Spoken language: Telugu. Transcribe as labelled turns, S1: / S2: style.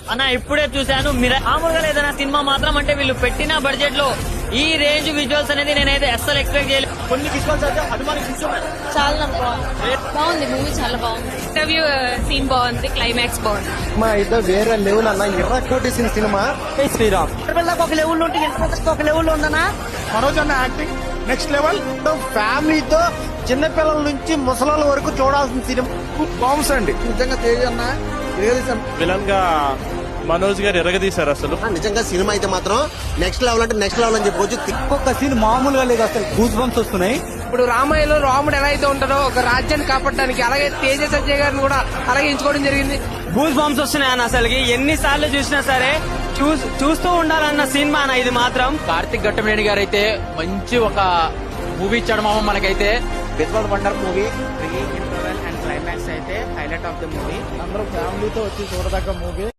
S1: అన్న ఇప్పుడే చూశాను మామూలుగా లేదన్న సినిమా మాత్రం అంటే వీళ్ళు పెట్టిన బడ్జెట్ లో ఈ రేంజ్ విజువల్స్ అనేది నేనైతే అస్సలు ఎక్స్పెక్ట్ చేయలేదు. కొన్ని విజువల్స్ అయితే
S2: చాలా బాగుంది మూవీ, చాలా బాగుంది. ఇంటర్వ్యూ సీన్ బాగుంది, క్లైమాక్స్ బాగుంది.
S3: మా ఇద్దరు వేరే లెవెల్ అన్న, ఎర్ర కోటేసిన సినిమా. శ్రీరామ్
S1: ఒక లెవెల్ ఉంటే ఒక లెవెల్ ఉందన్నా.
S3: మనోజ్ అన్న యాక్టింగ్ నెక్స్ట్ లెవెల్. ఫ్యామిలీతో చిన్నపిల్లల నుంచి ముసలాల వరకు చూడాల్సిన సినిమా. బాంబ్స్ అండి నిజంగా. తేజ్ అన్న
S4: విలన్ గా మనోజ్ గారు ఎరగదీశారు అసలు.
S3: నిజంగా సినిమా అయితే మాత్రం నెక్స్ట్ లెవెల్ అంటే నెక్స్ట్ లెవెల్ అని చెప్పొచ్చు. ఒక్కొక్క సీన్ మామూలుగా లేదు, అసలు గూస్ బంప్స్ వస్తున్నాయి.
S5: ఇప్పుడు రామాయణంలో రాముడు ఎలా అయితే ఉంటారో ఒక రాజ్యాన్ని కాపాడడానికి, అలాగే తేజ సజ్జయ్ గారిని కూడా అలాగే ఎంచుకోవడం జరిగింది.
S1: గూస్ బంప్స్ వస్తున్నాయి అన్న. అసలుకి ఎన్నిసార్లు చూసినా సరే చూస్తూ ఉండాలన్న సినిమా అన్న ఇది మాత్రం.
S6: కార్తిక్ ఘట్టమనేని గారు అయితే మంచి ఒక మూవీ ఇచ్చాడు మామ మనకైతే.
S3: Visual wonder movie.
S6: Interval and climax అయితే హైలైట్ ఆఫ్ ద మూవీ.
S3: అందరూ ఫ్యామిలీతో వచ్చి చూడదగ్గ మూవీ.